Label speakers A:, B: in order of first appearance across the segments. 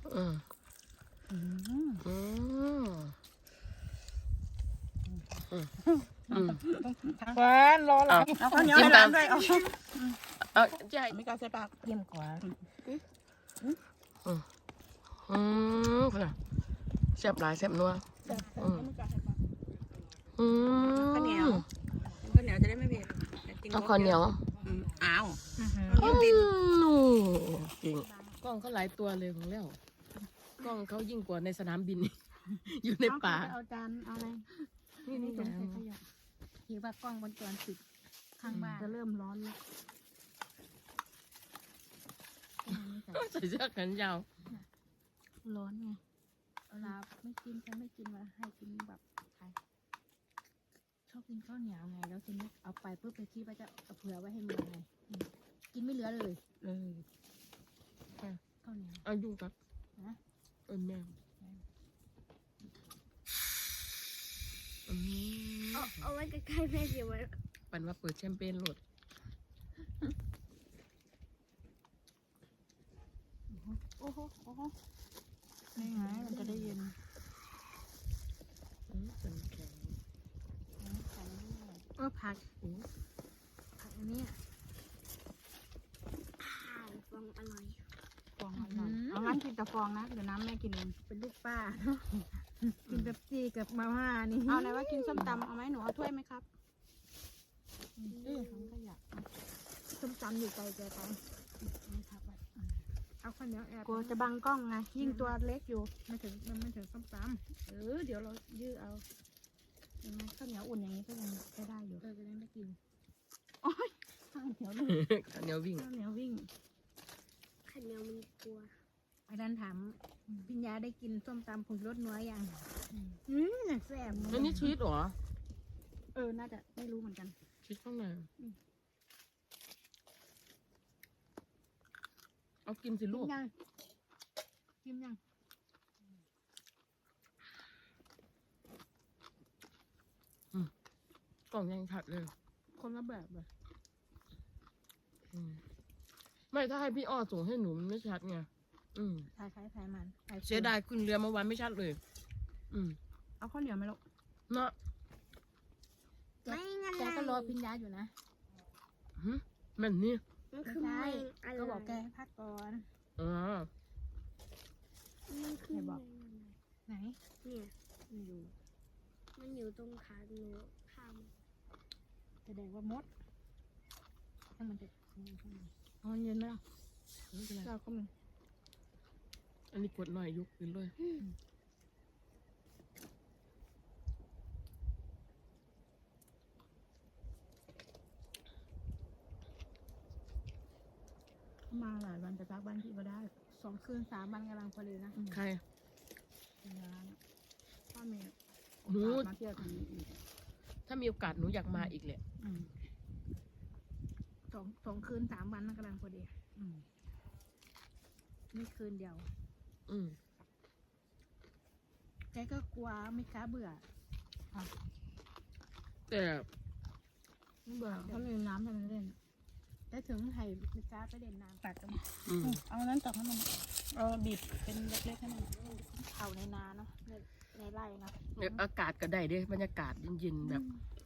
A: อืมอืมอืม
B: หวานรอหลังเอาข้าวเหนียวให้หลานด้วย
A: เอาใหญ่
B: ไม่กล้าใส่ปากเยี่ยมกว่า
A: ขนาดแซ่บหลายแซ่บนัว
B: ข้าวเหนียวข้าวเหนียวจะได้ไม่เผ็ด
A: เอาข้าวเหนียว
B: อ้าว
A: จริงกล้องเขาหลายตัวเลยของแล้วกล้องเขายิ่งกว่าในสนามบิน อยู่ในป่า
C: เอาจานเอาอะไร
A: นี่
C: ถุงใส่ขยะถือว่ากล้องวงจรปิดข้างบ้านจะเริ่มร้อนแล้ว
A: ใส่เสื้อแขนยาว
C: ร้อนไงเวลาไม่กินฉันไม่กินว่าให้กินแบบไทยชอบกินข้าวเหนียวไงแล้วทีนี้เอาไปเพื่อไปคิดว่าจะเอาเผื่อไว้ให้เมียไงกินไม่เหลือเลยข้าวเหนียว
A: เอายุ่งครับแม่
D: เอาไว้ใกล้ๆแม่เดี๋ยวไว้
A: ปันว่าเปิดแชมเปญโหลด
C: โอ้โหนี่ไงมันจะได้เย็น
A: เป็นแข็ง
C: ผักอันนี้
D: ข้าวฟองอร่อย
C: ฟองอร่อยเอางั้นกินแต่ฟองนะเดี๋ยวน้ำแม่กินเองเป็นลูกป้ากินเป๊ปซี่กับมาม่านี่เอาไหนว่ากินส้มตำเอาไหมหนูเอาถ้วยไหมครับทั้งขยะส้มตำอยู่ไกลแกไปเอาข้าวเหนียวแอบกลัวจะบังกล้องไงยิ่งตัวเล็กอยู่ไม่ถึงส้มตำเดี๋ยวเรายื้อเอายังไงข้าวเหนียวอุ่นอย่างนี้ก็ยังใช้ได้อยู่จะได้ไม่กินโอ้ยข้าวเหนียวเลย
A: ข้าวเหนียววิ่ง
C: ข้าวเหนียววิ่ง
D: ข้าวเหนียวมันกลัว
C: ไอ้ดันถามพิญญาได้กินส้มตำผงรสนัวยังแซ่บ
A: อันนี้ชีสเหรอ
C: น่าจะไม่รู้เหมือนกัน
A: ชีสข้างในเอากินสิลูก
C: กินยัง
A: กล่องยังชัดเลย
C: คนละแบบเลย
A: ไม่ถ้าให้พี่อ้อส่งให้หนูมันไม่ชัดไง
C: ถ่ายมัน
A: เสียดายขึ้นเรือเมื่อวานไม่ชัดเลย
C: เอาข้าวเหนียวไหมลูก
A: เนาะ
D: ไม่งั้น
C: แกก็รอพิญญาอยู่นะ
A: แม่นนี่
D: มันคือไม่อร่อย
C: ก็บอกแกให้พักก่อน
A: อ๋อ
D: มันคือ
C: ไหน
D: เนี่ยมันอยู่ตรงขาหนูข้าม
C: แสดงว่ามดให้มันจะเอาเย็นไหมล่ะ
A: ไม่เป็นไร
C: เจ้าก็มี
A: อันนี้กดหน่อยยกขึ้นเลย
C: มาหลายวันแต่พักบ้านพี่ก็ได้2 คืน 3 วันกำลังพอดีนะ
A: ใคร
C: พ่อเมย์
A: หนู
C: มาเที่ยวทางนี้อีก
A: ถ้ามีโอกาสหนูอยากมาอีกแหละ
C: 2 คืน 3 วันนั่นกำลังพอดีนี่คืนเดียวแกก็กลัวไม่กล้าเบื่อ
A: แต่
C: ไม่เบื่อเขาเลยน้ำให้มันเล่นแต่ถึงไห่ไม่กล้าไปเด่นน้ำตัดกัน เอานั้นตักให้มันบีบเป็นเล็กๆให้มันเข่าในนาเนาะในไร่เนาะ
A: อากาศก็ได้เด้บรรยากาศเย็นๆแบบ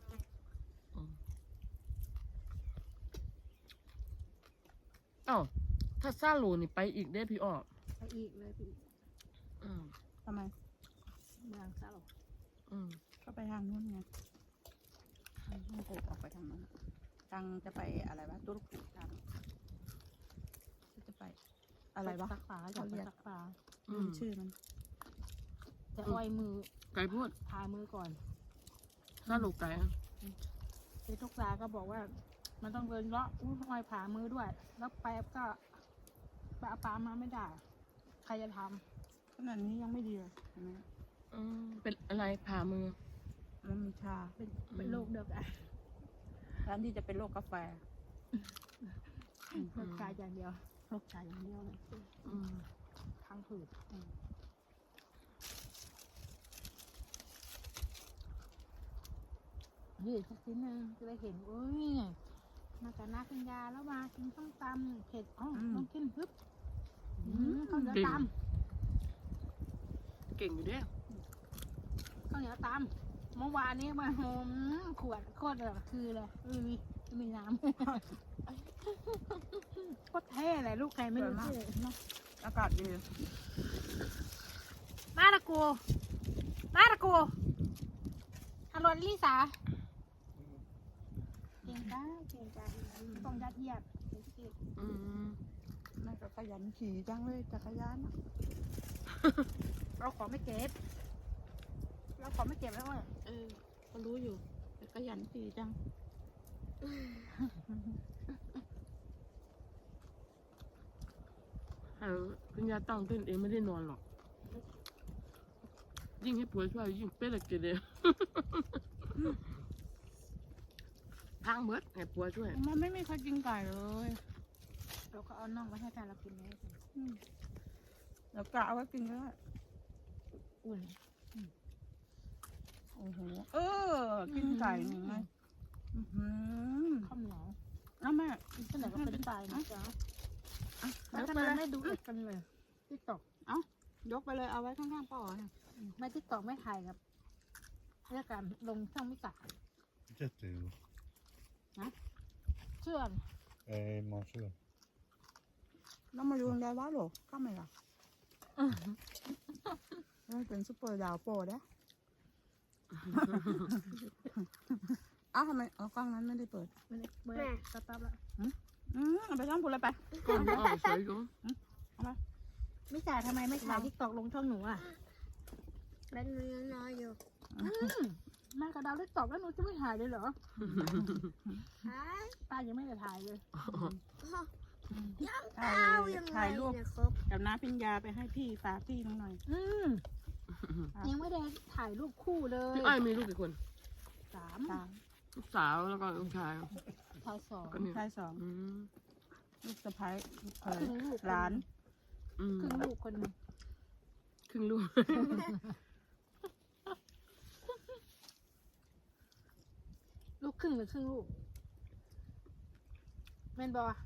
A: อ้าวถ้าซาโลนี่ไปอีกได้พี่อ้อ
C: ไปอีกเลยพี่ทำไมเมืองซาโลก็ไปทางนู้นไงต้องโกออกไปทางนั้นตังจะไปอะไรวะตุรกีทางจะไปอะไรวะซักฟ้าอยากไปซักฟ้าชื่อมันจะอ้อยมือ
A: ไก่พูด
C: พายมือก่อน
A: ซาโลไก่
C: ไปทุกสาก็บอกว่ามันต้องเดินเลาะอ้อยผ่ามือด้วยแล้วแป๊บก็ปลามาไม่ได้ใครจะทำขนาดนี้ยังไม่ดีเลยเห็นไหม
A: เป็นอะไรผ่ามือ
C: มันมีชาเป็นโรคเดียวกันร้านที่จะเป็นโรคกาแฟโรคกายอย่างเดียวโรคกายอย่างเดียวเลยทั้งผืดนี่สักทีนึงจะได้เห็นโอ้ยมาจากนาคัญญาแล้วมากินส้มตำเผ็ดต้องกินปึ๊บเขาจะตำ
A: เก่งอยู่เด้
C: ข้าวเหนียวตามเมื่อวานนี้มาขวดโคตรแบบคือเลยไม่มีน้ำ โคตรเท่เลยลูกใครไม่รู้ชื่อ
B: อากาศดี
C: มาตะกูอร่อยลิสาเก่งจ้าต้องยัดเยียด
A: อืม
B: แม่ก็ขยันขี่จังเลยจักรยานอะ
C: เราขอไม่เก็บแล้วว่า
B: ก็รู้อยู่แต่ขยันขี่จัง
A: คุณยายตั้งเต้นเองไม่ได้นอนหรอก ยิ่งให้ผัวช่วยยิ่งเป๊ะเลยกินเลยทางเบิดให้ผัวช่วย
B: มันไม่มีใครกินไก่เลย
C: เราก็เอาน่องไว้ให้แฟนเรากินเลย
B: แล้วกะเอาไว้กินก็ได้
C: อุ่น
B: โอ้โหกินไก่หนึ่งไง
C: ข้าวเหนียว
B: น้าแม่
C: ที่ไหนก็เป็นตายนะจ๊ะ
B: ย
C: แล้ว
B: ก
C: ทำ
B: ไป
C: ไม
B: เลย
C: ไม่ดูเอ็ดกันเลยติ๊กต็อก
B: ยกไปเลยเอาไว้ข้างๆป้าอ๋อเนี่ย
C: ไม่ติ๊กต็อกไม่ถ่ายครับเรื่องการลงช่องไม่ตัด
E: Jättekul.
C: เชื่อม
E: Morse.
B: แล้วมาดูได้ว่าหรอก็ไม่หรอเป็นซุปเปอร์ดาวโปรดะอ้าวทำไมกล้องนั้นไม่ได้เปิด
C: ไม่ได้เบอร์สต๊อปแล้ว
B: เอาไปช่องพูดเลยไป
A: ก่อนออกสวยอยู่
C: ไม่จ่ายทำไมไม่ถ่ายติ๊กต็อกลงช่องหนูอ่ะ
D: เป็นเนื้อน้อยอยู่
C: แม่กระดาวติ๊กต็อกแล้วหนูจะไม่ถ่ายเลยเหรอ
D: ฮะ
C: ป้ายังไม่ได้ถ่ายเลย
D: ยังเอายังไง
B: ถ่ายรูป
D: เนี่ยครบ
B: กับน้าพิญญาไปให้พี่ฝากพี่หน่อย
C: ยังไม่ได้ถ่ายรูปคู่เลย
A: พี่อ้อยมีลูกกี่คน
C: 3
A: ลูกสาวแล้วก็ลูกชาย
C: ถ่าย
A: ก็เนี่ย
B: ชายสอง
A: อืม
B: ลูกสะพ้ายลูกเข
C: 2
B: ย
C: ครึ่งลูก
B: หลาน
A: อืม
C: ครึ่งลูกคนหนึง
A: ครึ่งลูก
C: ลูกครึ่งหรือครึ่งลูกแม่นบอ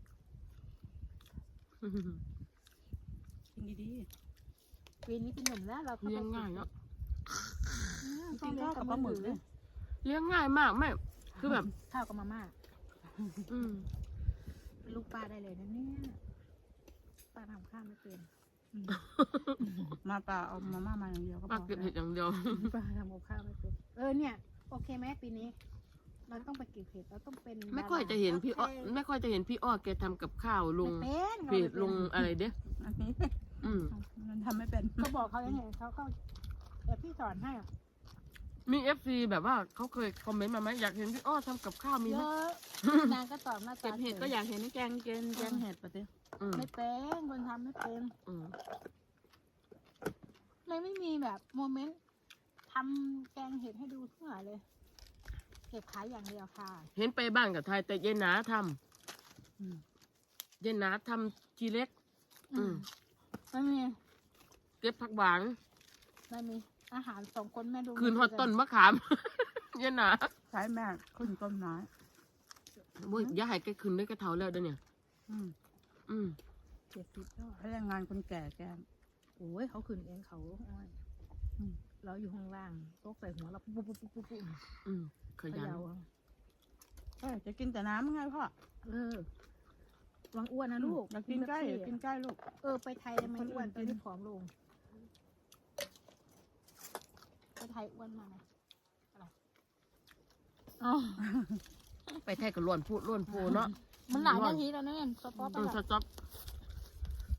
B: กินดี
C: ปีนี้เป็นหนุ่มแล้วเราก็
A: เลี้ยงง่ายเนาะ
B: ๆกินข้าวกับปลาหมึกเลย
A: เลี้ยงง่ายมากไม่คือแบบ
C: ข้าวกับมาม่า
A: อืม
C: เป็นลูกป้าได้เลยนะเนี่ยป้าทำข้าวไม่เป็น
B: มาป่าเอามาม่ามาอย่างเดียวก็พ
A: ป้า
B: อ
A: เก็บเห็ดอย่างเดียว
C: ป้าทำกับข้าวไม่เป็นเนี่ยโอเคไหมปีนี้ เราต้องไปเก็บเห็ดเราต้องเป็น
A: ไม่ค่อยจะเห็นพี่อ้อไม่ค่อยจะเห็นพี่อ้อแกทำกับข้าวลง
C: ไม่เป็น
A: เพจลงอะไรเด้
B: อันนี้
A: อืม
B: มันทำไม่เป็น
C: เขาบอกเขาอย่างไงเขาก็เดี๋ยวพี่สอนให้
A: มีเอฟซีแบบว่าเขาเคยคอมเมนต์มาไหมอยากเห็นพี่อ้อทำกับข้าวมี
C: เย
A: ไหม
C: อะนางก็ตอบหน้า
B: เก็
C: ตา
B: บเห็ดก็อยากเห็นแกงเห็ดปะเต้
A: อืม
C: ไม่เป็นคนทำไม่เป็น
A: อืม
C: ไม่มีแบบโมเมนต์ทำแกงเห็ดให้ดูเท่าไหร่เลยเก็บขายอย่างเดียวค่ะ
A: เห็นไปบ้านกับไทยแต่เย็นหนาทำเย็นหนาทำทีเล็ก อืม
C: ไม่มี
A: เก็บผักหวาน
C: ไม่มีอาหาร2 คนแม่ดู
A: คืนฮอตต้นมะขาม เย็นหนา
B: ใช้แม่ขึ้นต้นไม้
A: โว้ยอย่าให้แกคืนได้กระเทาแล้วเดี๋ยวเนี่ย
B: อืม
A: อืม
C: 70แล้ว
B: ให้แรงงานคนแก่แก
C: โอ้ยเขาขึ้นเองเขาอ้อยเราอยู่ข้างล่างโต๊ะใส่หัวเราปุ๊บปุ๊บปุ๊บปุ๊บปุ๊บ
A: อืมขยัน
B: จะกินแต่น้ำไงพ่อ
C: วังอ้วนนะลูก
B: อยากกินใกล้อยากกินใกล้ลูก
C: ไปไทยทำไมอ้วนตอนนี้ผอมลงไปไทยอ้วนมาไหมอ๋อ
A: ไปไทยกับล้วนพูดล้วนโพเนาะ
C: มันหลายนาทีแล้วเนี่ยสต๊อป
A: อืมสต๊อป